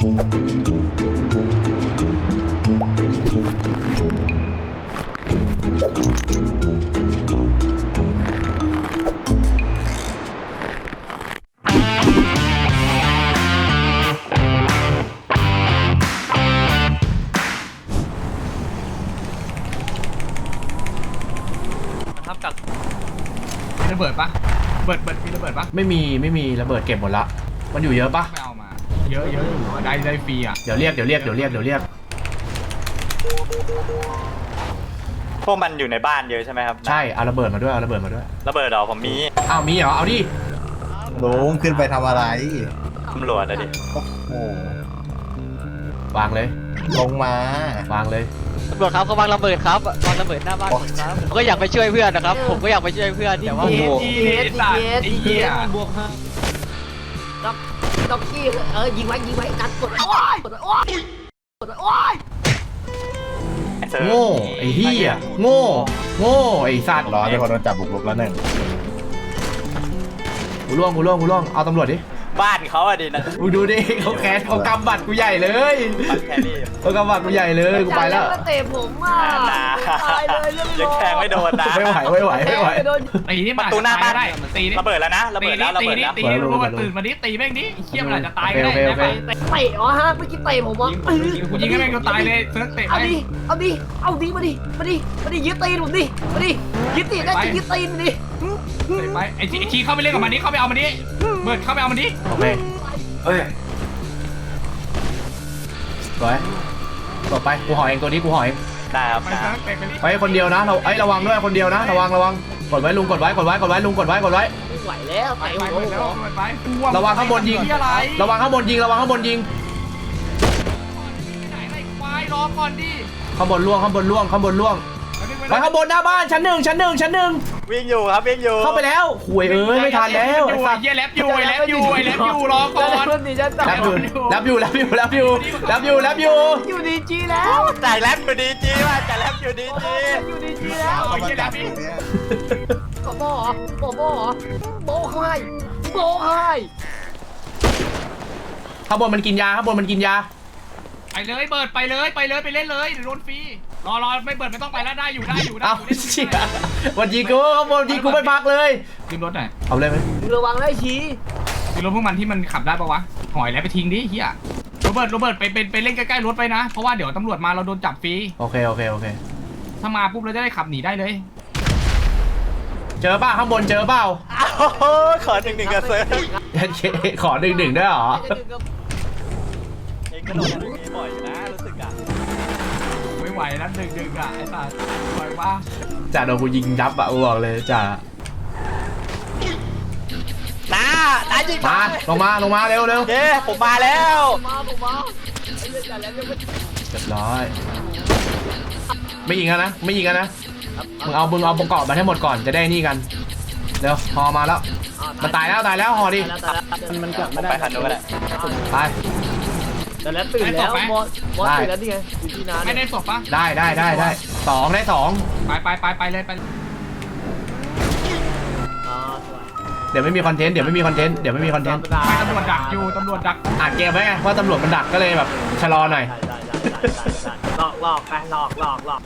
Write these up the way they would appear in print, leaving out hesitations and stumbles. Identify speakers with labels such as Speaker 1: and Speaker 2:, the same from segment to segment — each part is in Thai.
Speaker 1: ระเบิดปะเบิดมีระเบิดปะ
Speaker 2: ไม่มีระเบิดเก็บหมดละมันอยู่เยอะปะ
Speaker 1: ไม่เอามาเยอะอยู่ได้ฟรีอ่ะ
Speaker 2: เดี๋ยวเรียก
Speaker 3: พวกมันอยู่ในบ้านเยอะใช่ไหมครับ
Speaker 2: ใช่เอาระเบิดมาด้วย
Speaker 3: ระเบิดเหรอผมมี
Speaker 2: มีเหรอเอาดิ
Speaker 4: ลุงขึ้นไปทำอะไร
Speaker 3: ตำรวจอะดิ
Speaker 4: โอ้โห
Speaker 2: วางเลย
Speaker 4: ลงมาว
Speaker 2: างเลย
Speaker 5: ตำรวจครับเขาวางระเบิดครับวางระเบิดหน้าบ้านผมครับผมก็อยากไปช่วยเพื่อนนะครับผมก็อยากไปช่วยเพื่อนแต่ว่า
Speaker 1: เหี้ย
Speaker 5: บวกครับ
Speaker 6: ด็อกกี้ยิงไว้กัดกดโอ้ย
Speaker 2: โง่ไอ้เหี้ยโง่ไอ้สัตว์
Speaker 4: รอให้คนโดนจับบุกรุกแล้วหนึ่ง
Speaker 2: กูล่วงเอาตำรวจดิ
Speaker 3: บ้านเขาอะดินะ
Speaker 2: มึงดูดิเขาแคสเขากำบัตรกูใหญ่เลยเขากำบัตรกูใหญ่เลยกูไปแล้ว
Speaker 6: เตะผมอ่ะตายเลยเรื่อง
Speaker 3: ยังแทงไม่โดนนะ
Speaker 2: ไม่ไหว
Speaker 1: ไอ้นี่
Speaker 3: ประตูหน้าบ้าน
Speaker 1: ได้ตีนี่
Speaker 3: ระเบิดแล้วนะระเบิดแล้ว
Speaker 1: ตีรู้ว่าตื่นมาดิตีแม่งดิเขี้ยมันอาจจะตายก็ได้
Speaker 6: เตะฮะเมื่อกี้เตะผมวะ
Speaker 1: กูยิงให้แม่งก็ตายเลยเซิร์ฟเตะ
Speaker 6: เอาดิมาดิยึดตีนผมดิมาดิยึดตีนได้ยึดตีนดิ
Speaker 1: ไปไอ้ชีเข้าไปเล่นกับมันดิเข้าไปเอามันดิเบิร์ดเข้าไปเอามันดิ
Speaker 2: โอเคร้อยต่อไปกูห่อเองตัวนี้กูห่อเอง
Speaker 3: ได้ครับ
Speaker 2: ไปคนเดียวนะเราระวังด้วยคนเดียวนะระวังกดไว้ลุงกดไว้ลุงกดไว้
Speaker 6: ไหวแล้ว
Speaker 1: ไประ
Speaker 2: วังข้างบนยิงระวังข้างบนยิง
Speaker 1: รอก่อนดิ
Speaker 2: ข้างบนล่วงไปข้างบนหน้าบ้านชั้นหนึ่ง
Speaker 3: วิ่งอยู่ครับ
Speaker 2: เข้าไปแล้วหวยไม่ทันแล้ว
Speaker 1: ไอ้สัตว์แลบอยู่รอก่อน
Speaker 2: รับอยู่
Speaker 6: อยู่ดีจีแล้ว
Speaker 3: จ่ายแลบอยู่ดีจีว่ะจ่ายแลบอยู่ดีจี
Speaker 6: แล้วโบเขาให้
Speaker 2: ข้างบนมันกินยา
Speaker 1: ไปเลยเบิร์ดไปเล่นเลยโดนฟรีรอไม่เบิร์ดไม่ต้องไปแล้วได้อยู่
Speaker 2: เอาเชี่ยวันยิงกูข้างบนยิงกูไม่พักเลย
Speaker 1: ขึ้นรถหน่อย
Speaker 2: เอาเลยไหม
Speaker 6: ระวังได้ชี้
Speaker 1: ขึ้นรถพวกมันที่มันขับได้ปะวะหอยแล้วไปทิ้งดิเฮียโรเบิร์ตไปเล่นใกล้ๆรถไปนะเพราะว่าเดี๋ยวตำรวจมาเราโดนจับฟรี
Speaker 2: โอเค
Speaker 1: ถ้ามาปุ๊บเราจะได้ขับหนีได้เลย
Speaker 2: เจอป่ะข้างบนเจอเปล่า
Speaker 3: ขอ1-1กับเซิร์ฟ
Speaker 2: ขอ1-1ได้หรอ
Speaker 3: เองก็โดนอย่างนี้บ่อยนะรู้สึกอ่ะ
Speaker 1: ไม่ไหวนะ1-1อ่ะไอ้สัสไหวป่ะ
Speaker 2: จ่าโดนกูยิงยับอ่ะกูบอกเลยจ่า
Speaker 3: จริง
Speaker 2: ลงมาเร็ว
Speaker 3: เย้ผมมาแล้ว
Speaker 2: เรียบร้อยไม่ยิงกันนะมึงเอาประกอบมาให้หมดก่อนจะได้นี่กันเร็วพอมาแล้วมันตายแล้วห่อดิ
Speaker 6: มันกลับมาได้
Speaker 3: ไปขันดูก็ได้
Speaker 2: ไป
Speaker 6: แต่แล้วตื่นแล้วมอสตื่นแล้วนี่ไงที่นาน
Speaker 1: ไม่ได้ศพปะ
Speaker 2: ได้2ได้2
Speaker 1: ไปเลย
Speaker 2: เดี๋ยวไม่มีคอนเทนต์ไม่ตำรวจ
Speaker 1: ดักอยู่ตำรวจดัก
Speaker 2: อ่านเกมไว้ไงว่าตำรวจมันดักก็เลยแบบชะลอหน่อย
Speaker 6: หลอกไปหลอก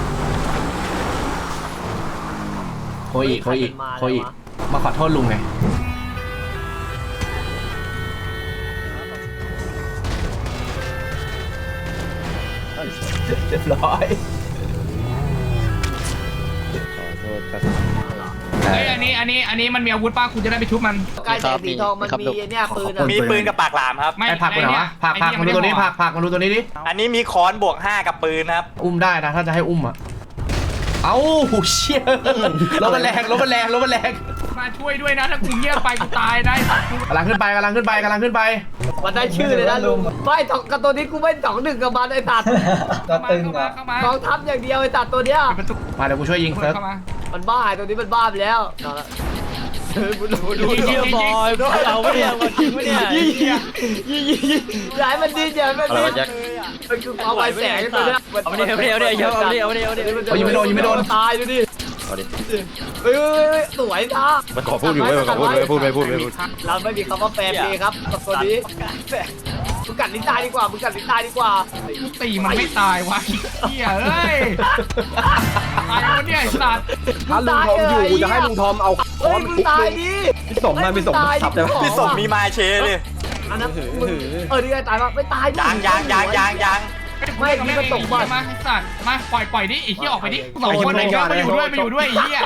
Speaker 2: โคอีมาขอโทษลุงไงเรียบร้อย
Speaker 4: ขอโทษครับ
Speaker 1: อันนี้มันมีอาวุธป้าคุณจะได้ไปชุบมัน
Speaker 6: กายแสงสีทองมันมีเนี่ยปืน
Speaker 3: มีปืนกับปากหลามครับ
Speaker 2: ไม่ผักมันเหรอผักมาดูตัวนี้ผักมาดูตัวนี้ดิ
Speaker 3: อันนี้มีค้อนบวก5กับปืนครับ
Speaker 2: อุ้มได้นะถ้าจะให้อุ้มอ่ะเอ้าเชี่ยรถมันแรง
Speaker 1: มาช่วยด้วยนะถ้ากูเงียบไปกูตายได้
Speaker 2: กำลังขึ้นไป
Speaker 6: มันได้ชื่อเลยนะลุงไม่กับตัวนี้กูไม่2-1กับมันไอ้ตัด
Speaker 1: ก็ตึงอ่ะ
Speaker 6: กองทัพอย่างเดียวไอ้ตัดตัวเนี้ย
Speaker 2: มาเดี๋ยวกูช่วยยิงเซิร์ฟ
Speaker 6: มันบ้าตัวนี้มันบ้าไปแล้ว
Speaker 5: ดูเยี่ยบอยเอาไม่เนี่ยมันทิ้งไม่เนี่ย
Speaker 6: ย้ายมันดีย้ายมันดีมันคือความไวแสงตัวเนี้ย
Speaker 5: เอาไม่โดน
Speaker 2: ตาย
Speaker 6: ดูดิ
Speaker 3: เขาดิ
Speaker 6: เฮ้ยสวยนะ
Speaker 3: มันขอพูดอยู่ไม่ขอพูดไม่พูดไม่พูดไม่พูด
Speaker 6: เราไม่มีคำว่าแฟนเพย์ครับกับตัวนี้มึงกัดลิ้นตายดีกว่ามึงกัดลิ้นตายดีกว่า
Speaker 1: กูตีมันไม่ตายวะเฮียเอ้ยตายแล้วเนี่ยไอ้สัตว์
Speaker 6: ถ้าลุงทอมอยู่กูจะให้ลุงทอมเอาเฮ้ยมึงตายดิ
Speaker 3: พี่สมมาพี่สมขับได้ไหมพี่สมมีมาเชเลย
Speaker 6: อันนั้นมึงนี่ไงตายปะไม่ตาย
Speaker 3: ยาง
Speaker 1: ไม่มีมันตกมาไอ้สัตว์มาปล่อยดิไอ้เหี้ยออกไปดิสองคนไอ้เหี้ยมาอยู่ด้วยไอ้เหี้ย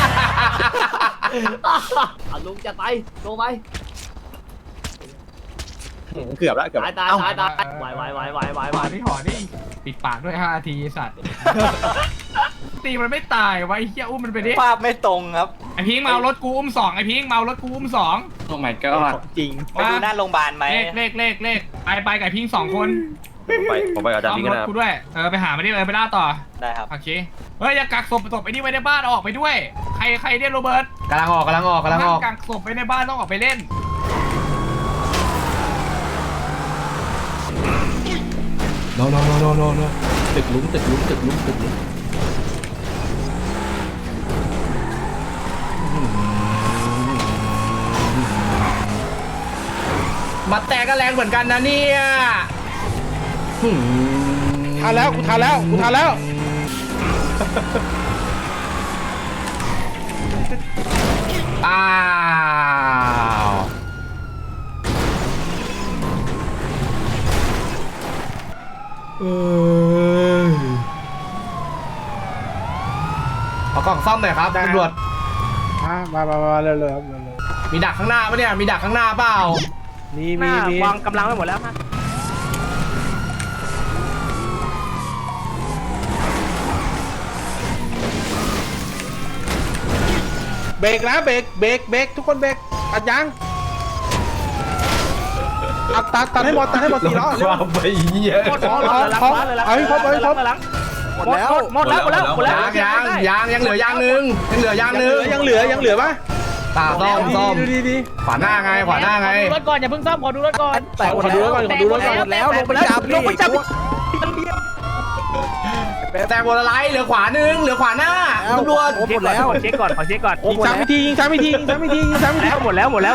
Speaker 6: ลุงจะไปลงไป
Speaker 4: เกือบแล้วเกือบ
Speaker 6: ตายตายตายตายไหว
Speaker 1: หอดิหอดิปิดปากด้วย5 นาทีสัตว์ตีมันไม่ตายวะไอ้เหี้ยอุ้มมันไปดิ
Speaker 3: ภาพไม่ตรงครับ
Speaker 1: ไอ้พิงเมารถกูอุ้ม2ไอ้พิงเมารถกูอุ้ม2
Speaker 2: โอ้ my god
Speaker 3: จริงไปดูหน้าโรงพยาบาลไหม
Speaker 1: เลขไปกับไอ้พิง2 คน
Speaker 3: ผมไปกับอาจารย์
Speaker 1: ต้อ
Speaker 3: พิ
Speaker 1: ง
Speaker 3: ง
Speaker 1: ร
Speaker 3: กัน
Speaker 1: ถ
Speaker 3: นะครับ
Speaker 1: กูด้วยไปหาไม่ได้ไปล่าต่อ
Speaker 3: ได้ครับ
Speaker 1: โอเคเฮ้ยอย่ากักศพไอ้นี่ไว้ในบ้านออกไปด้วยใครเนี่ยโรเบิร์ต
Speaker 2: กำลังออก
Speaker 1: กักศพไว้ในบ้านต้องออกไปเล่น
Speaker 2: โนตึกหลุมมาแตกก็แรงเหมือนกันนะเนี่ยทานแล้วกูทานแล้วอ้าวเอากล่องซ่อมหน่อยครับตำรวจ
Speaker 7: มาเร็วๆครับเร็ว
Speaker 2: มีดักข้างหน้าปะเนี่ยมีดักข้างหน้าเปล่า
Speaker 7: ๆมีวางกำลังไว้หมดแล้วฮะเบรกนะเบรกทุกคนเบรกตัดยางตัดให้หมด4 ล้อ
Speaker 2: ความไปเหี้ย
Speaker 7: หมดเอาให้ครบหมดแล้ว
Speaker 2: ยังเหลือยางนึง
Speaker 7: ยังเหลือปะ
Speaker 2: ตาซ่อม
Speaker 7: ดูดี
Speaker 2: ขวาหน้าไง
Speaker 7: รถก่อนอย่าเพิ่งซ่อมขอดูรถก่อนแต่ขอดูรถก่อนแล้วลงไปจับ
Speaker 2: แต่บนอะไรเหลือขวานึงเหลือขวาหน้าตำรวจ
Speaker 7: หมดแล้วขอเช็คก่อนยิงซ้ำไม่ทีหมดแล้วแหม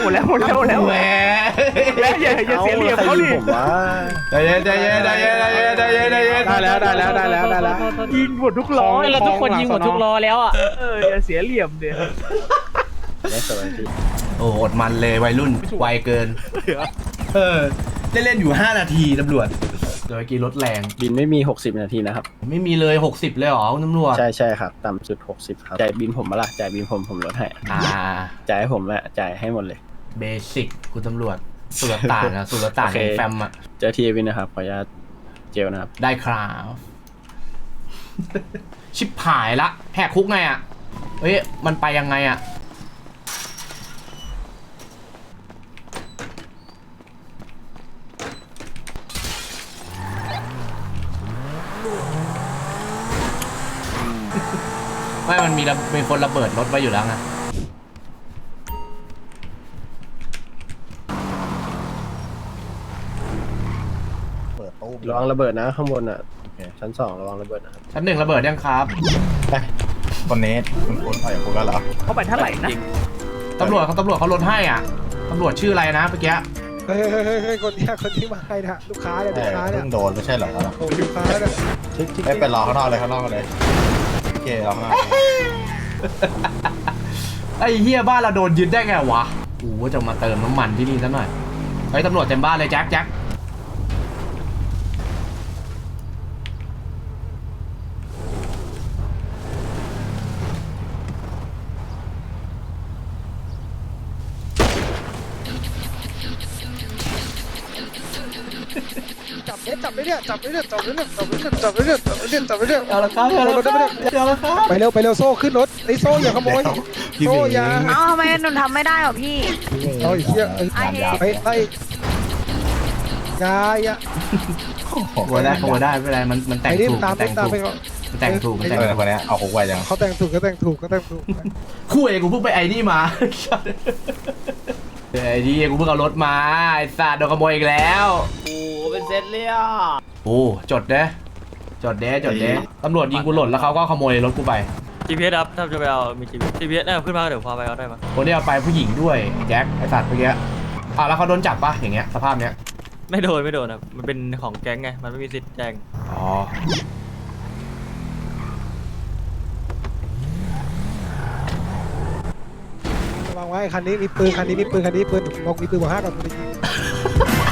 Speaker 7: อย่าเสียเหลี่ยมเขาดิ
Speaker 2: ใจเย็นได้แล้ว
Speaker 7: ยิงหมดทุกล้อแล้วทุกคนยิงหมดทุกล้อแล้วอ่ะอย่าเสียเหลี่ยมเดี๋ยว
Speaker 2: โอ้อดมันเลยวัยรุ่นไวเกินได้เล่นอยู่5 นาทีตำรวจโดยกี่รถแรง
Speaker 8: บินไม่มี60 นาทีนะครับ
Speaker 2: ไม่มีเลย60เลยเหรอคุณตำรวจ
Speaker 8: ใช่ครับต่ำสุด60ครับจ่ายบินผมมาละจ่ายบินผมลดให้จ่ายให้ผมละจ่ายให้หมดเลย
Speaker 2: เบสิกคุณตำรวจสุลต่านแฟมอะ
Speaker 8: เจอทีวินนะครับขออนุญาตเจลนะครับ
Speaker 2: ได้ครับชิบหายละแหกคุกไงอะเฮ้ยมันไปยังไงอะไม่มันมีคนระเบิดรถไว้อยู่แล้วไง
Speaker 4: เปิดตู้
Speaker 8: ระวังระเบิดนะข้างบนอ่ะชั้น2ระวังระเบิดนะครับ
Speaker 2: ชั้น 1ระเบิดยังครับ
Speaker 4: คนนี้คุณออกจากคุกแล้วเหรอ
Speaker 7: เขาไปเท่าไหร่นะ
Speaker 2: ตำรวจเขาลดให้อ่ะตำรวจชื่ออะไรนะเมื่อกี้
Speaker 7: เฮ้ยคนที่มาให้นะลูกค้าเนี่ย
Speaker 4: แต่เพิ่งโดนไม่ใช่เหรอ
Speaker 7: โอ้ลูกค้าเนี่ย
Speaker 4: ไม่เป็นรอข้างนอกเลยโอเครอข้างนอก
Speaker 2: ไอ้เฮียบ้านเราโดนยึดได้ไงวะกูว่าจะมาเติมน้ำมันที่นี่ซะหน่อยไอ้ตำรวจเต็มบ้านเลยแจ็ค
Speaker 7: จับไปเรื่อย
Speaker 2: เอาละครับ
Speaker 7: ไปเร็วโซ่ขึ้นรถไอ้โซ่อย่าขโมยโซ่อย่า
Speaker 9: เอ้าทำไมหนูทำไม่ได้หรอพี่
Speaker 7: เอาเหี้ยไปอย่า
Speaker 2: ขโมยได้ไม่เป็นไรมันแต่ง
Speaker 7: ไอ้นี่
Speaker 2: ถูก
Speaker 7: ตามไปก่อน
Speaker 2: มันแต่งถูก
Speaker 4: คนนี้เอาคุกไว้ยัง
Speaker 7: เขาแต่งถูก
Speaker 2: คู่เอกูเพิ่งไปไอ้นี่มาไอ้นี่กูเพิ่งเอารถมาไอ้สัตว์โดนขโมยอีกแล้ว
Speaker 6: โอ้เป็นเซตเลยอ่ะ
Speaker 2: โอ้จดเด้ตำรวจยิงกูหล่นแล้วเขาก็ขโมยรถกูไป
Speaker 3: GPS ครับถ้าจะไปเอามี GPS เนี่ยขึ้นมาเดี๋ยวพาไปเอาได้ไหม
Speaker 2: คนที่เอาไปผู้หญิงด้วยแจ็คไอสัตว์เมื่อกี้แล้วเขาโดนจับปะอย่างเงี้ยสภาพเนี้ย
Speaker 3: ไม่โดนครับมันเป็นของแก๊งไงมันไม่มีสิทธิ์แจ้ง
Speaker 2: อ๋อ
Speaker 7: ระวังไว้คันนี้มีปืนคันนี้มีปืนคันนี้มีปืนบอกมีปืนบอก5ก่อนกูจะยิง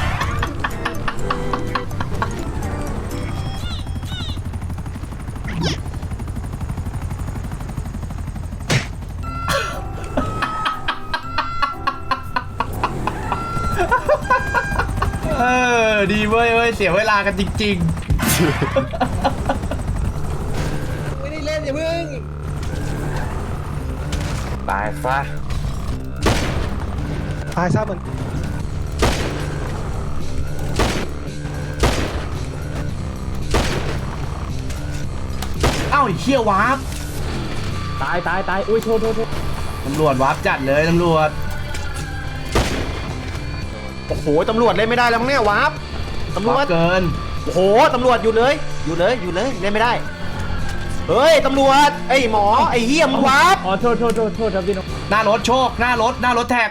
Speaker 2: ดีเว้ยเสียเวลากันจริง
Speaker 7: ไม่ได้เล่นอย่าเพิ่ง
Speaker 2: ๆตายซะ
Speaker 7: ตายซะเหมือน
Speaker 2: เอ้าไอ้เชี่ยวาร์ป
Speaker 8: ตายอุ้ยโทษ
Speaker 2: ตำรวจวาร์ปจัดเลยตำรวจ
Speaker 6: โอ้โหตำรวจเล่นไม่ได้แล้วมั้งเนี่ยวาร์ปตำร
Speaker 2: วาว
Speaker 6: จ
Speaker 2: ร์ปเกิน
Speaker 6: โอ้โหตำรวจอยู่เลยเล่นไม่ได้เฮ้ยตำรวจไอ้หมอไอ้เหี้ยมึงวาร์ป
Speaker 8: อ๋อโทษครับพี่น้อง
Speaker 2: หน้ารถโชคหน้ารถแท็ก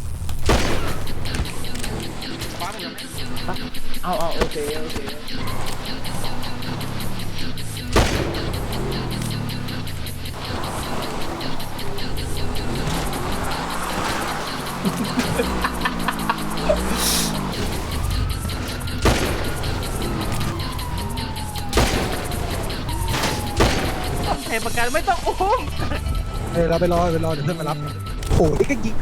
Speaker 8: เอาโอเค
Speaker 3: ประกันไม่ต้องอุ้ม
Speaker 7: เราไปรอเดี๋ยวเพื่อนมารับโอ้ยก็ยิง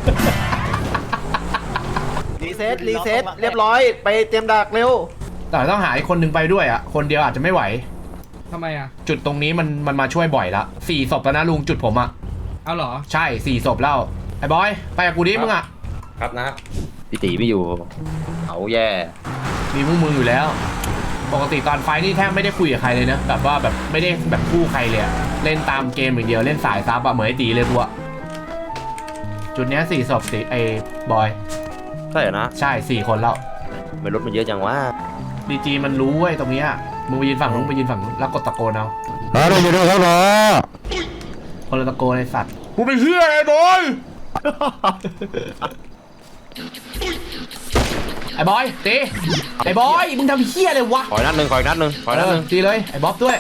Speaker 6: รีเซ็ตเรียบร้อยไปเตรียมดักเร็ว
Speaker 2: แต่ต้องหาอีกคนนึงไปด้วยอ่ะคนเดียวอาจจะไม่ไหว
Speaker 1: ทำไมอ่ะ
Speaker 2: จุดตรงนี้มันมาช่วยบ่อยละ4 ศพแล้วนะลุงจุดผมอ่ะ
Speaker 1: เอาเหรอ
Speaker 2: ใช่4 ศพแล้วไอ้บอยไปกับกูดิมึงอ่ะ
Speaker 10: ครับนะพี่ตีไม่อยู่เขาแย่
Speaker 2: มีมึงอยู่แล้ว ปกติตอนไฟนี่แทบไม่ได้คุยกับใครเลยนะแบบว่าแบบไม่ได้แบบคู่ใครเลยอะเล่นตามเกมอย่างเดียวเล่นสายซับอะเหมือนไอ้ตีเลยกูอะจุดเนี้ย4 ศพสิไอ้บอย
Speaker 10: ใช่เหรอนะ
Speaker 2: ใช่4 คนแล้ว
Speaker 10: ไม่รถมันเยอะจังวะ
Speaker 2: ดีจีมันรู้เว้ยตรงเนี้ยมึงไปยืนฝั่งนู้นไปยืนฝั่งนู้นแล้วกดตะโกนเอา
Speaker 7: เราอยู่ด้วยครับหรอ
Speaker 2: คนละตะโกนไอ้สัตว์กูเป็นเฮียไอ้บอย ไอ้บอยตีไอ้บอยมึงทำเฮียเลยวะ
Speaker 10: ขออีกนัดหนึ่ง
Speaker 2: ตีเลยไอ้บ๊อบด้วย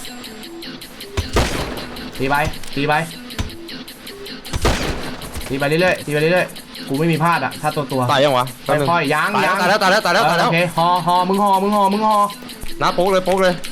Speaker 2: ตีไปเรื่อยๆกูไม่มีพลาดอะถ้าตัว
Speaker 10: ตายยังวะ
Speaker 2: ค่อยๆยัง
Speaker 10: ตายแล้ว
Speaker 2: โอเคฮอมึงฮอ
Speaker 10: นะโป๊กเลย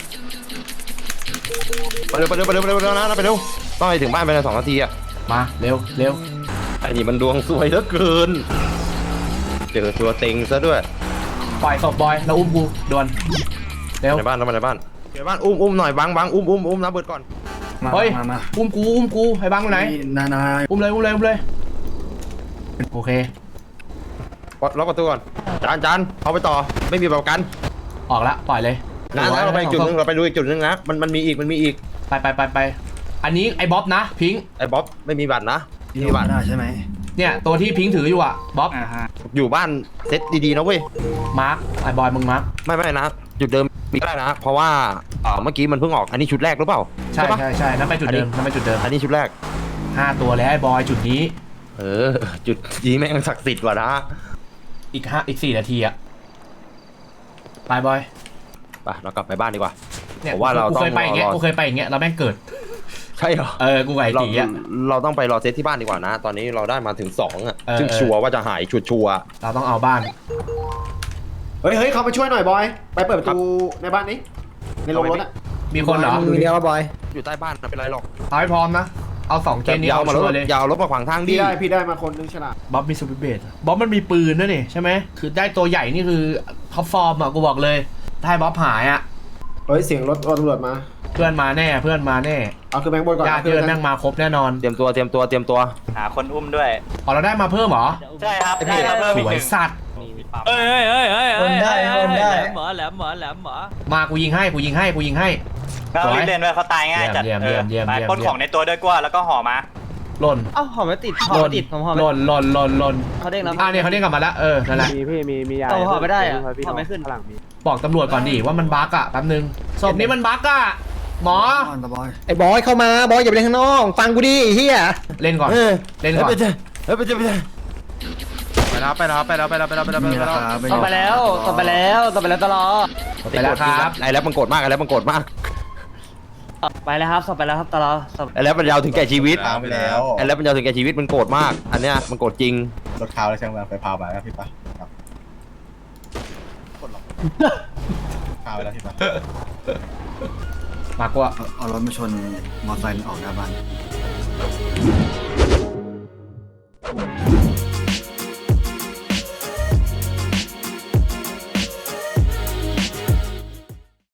Speaker 10: ไปเร็วนะไปเร็วต้องไปถึงบ้านภายใน2 นาทีอะ
Speaker 2: มาเร็ว
Speaker 10: ไอ้นี่มันดวงซวยเหลือเกินเจอตัวเต็งซะด้วย
Speaker 2: ปล่อยศพบอยแล้วอุ้มกูด่วนเร็ว
Speaker 10: ในบ้านอุ้มหน่อยบังอุ้มนะเบิดก่อน
Speaker 2: เฮ้ยอุ้มกูไอ้บังอยู่ไหนอุ้มเลยโอเค
Speaker 10: ล็อกประตูก่อนจานเอาไปต่อไม่มีประกัน
Speaker 2: ออกละปล่อยเลย
Speaker 10: นะเราไปอีกจุดนึงเราไปดูอีกจุดนึงนะมันมีอีก
Speaker 2: ไปอันนี้ไอ้บ๊อบนะพิงค์
Speaker 10: ไอ้บ๊อบไม่มีบัตรนะมีบัตร
Speaker 2: เนี่ยตัวที่พิงค์ถืออยู่อะบ๊อบ
Speaker 10: อยู่บ้านเซตดีๆนะเว้ย
Speaker 2: มาร์คไอ้บอยมึงมาร์ค
Speaker 10: ไม่นะจุดเดิมมีก็ได้นะ เพราะว่าเมื่อกี้มันเพิ่งออกอันนี้ชุดแรกหรือเปล่า
Speaker 2: ใช่
Speaker 10: ปะ
Speaker 2: นั่นไปจุดเดิม
Speaker 10: อันนี้ชุดแรก
Speaker 2: 5 ตัวแล้วไอ้บอยจุดนี้
Speaker 10: จุดนี้แม่งศักดิ์สิทธิ์ว่ะนะ
Speaker 2: อีก 4 นาทีอะไปบอย
Speaker 10: ไปเรากลับไปบ้านดีกว่า
Speaker 2: เนี่ย
Speaker 10: ผมว่าเรา
Speaker 2: กู
Speaker 10: ต้อง
Speaker 2: เคยไปอย่างเงี้ยเราแม่งเกิด
Speaker 10: ใช่เหรอ
Speaker 2: กูไก่ตีอะ
Speaker 10: เราต้องไปรอเซตที่บ้านดีกว่านะ ตอนนี้เราได้มาถึง2อ่ะ
Speaker 2: เออ
Speaker 10: ซึ่งชัวร์ว่าจะหายชัวร์
Speaker 2: เราต้องเอาบ้าน
Speaker 6: เฮ้ยเข้าไปช่วยหน่อยบอยไปเปิดประตูในบ้านนี้ในโรงรถอะ
Speaker 2: มีคนเหรอ
Speaker 7: มือเดียวบอย
Speaker 10: อยู่ใต้บ้านไม่เป็นไรหรอก
Speaker 2: เอาให้พร้อมนะเอา2 เกมนี้
Speaker 10: ยาว
Speaker 2: เอา
Speaker 10: มา
Speaker 2: ชัวร์เลย
Speaker 10: ยาวรถมาขวางทางดิ
Speaker 6: พี่ได้มาคนนึงฉลาด
Speaker 2: บ๊อบมีซูเปอร์เบสบ๊อบมันมีปืนด้วยนี่ใช่ไหมคือได้ตัวใหญ่นี่คือท็อปฟอร์มอะกูบอกเลยถ้าให้บ๊อบหายอะ
Speaker 6: เฮ้ยเสียงรถตำรวจมา
Speaker 2: เพื่อนมาแน่
Speaker 6: เอาคือแบงค์บนก่อน
Speaker 2: ญาติเพื่อนแม่งมาครบแน่นอน
Speaker 10: เตรียมตัว
Speaker 3: หาคนอุ้มด้วย
Speaker 2: อ๋อเราได้มาเพิ่มเหรอ
Speaker 3: ใช่ครับได้มาเพิ่ม
Speaker 2: ส
Speaker 3: อีก
Speaker 2: ว
Speaker 3: ห
Speaker 2: ย
Speaker 3: นึ่ง
Speaker 2: สัตว์
Speaker 3: หมอแหลม
Speaker 2: มากูยิงให้
Speaker 3: เขารีบเล่นด้วยเขาตายง่ายจัด
Speaker 2: เยี่ยม
Speaker 3: ไปปล้นของในตัวด้วยกว่าแล้วก็ห่อมา
Speaker 2: หล่น
Speaker 8: เอ้าหอมไม่ติด
Speaker 2: หล่น
Speaker 8: เขาเด้งแล้ว
Speaker 2: เนี่ยเขาเด้งกลับมาแล้วนั่นแหละ
Speaker 8: มียาหอมไม่ได้อะหอมไม่ขึ้น
Speaker 2: บอกตำรวจก่อนดิว่ามันบั๊กอะแป๊บนึงศพนี้มันบั๊กอะหมอ
Speaker 6: ไอ้บอยเข้ามาบอยอย่าไปเล่นข้างนอกฟังกูดิไอ้เหี้ย
Speaker 2: เล่นก่อนเล่นก่อน
Speaker 8: ไปแล้ว
Speaker 5: ต่อไปแล้วตลอด
Speaker 2: ไปแล้วครับ
Speaker 10: ไอ้แล้วมันโกรธมากไอ้แล้วมันโกรธมาก
Speaker 5: ไปแล้วครับต่อไปแล้วครับตลอด
Speaker 10: ไอ้แล้วมันยาวถึงแก่ชีวิต
Speaker 4: พาไปแล้ว
Speaker 10: ไอ้แล้วมันยาวถึงแก่ชีวิตมันโกรธมาก อันเนี้ยมันโกรธจริง
Speaker 4: รถขาวแล้วช่างมันไปพาไปแล้วพี่ปะครับกดหรอกพาไปแล้วพี่ปะ
Speaker 2: มากกว่า
Speaker 4: เอารถมาชนมอเตอร์ไซค์ออกหน้าบ้าน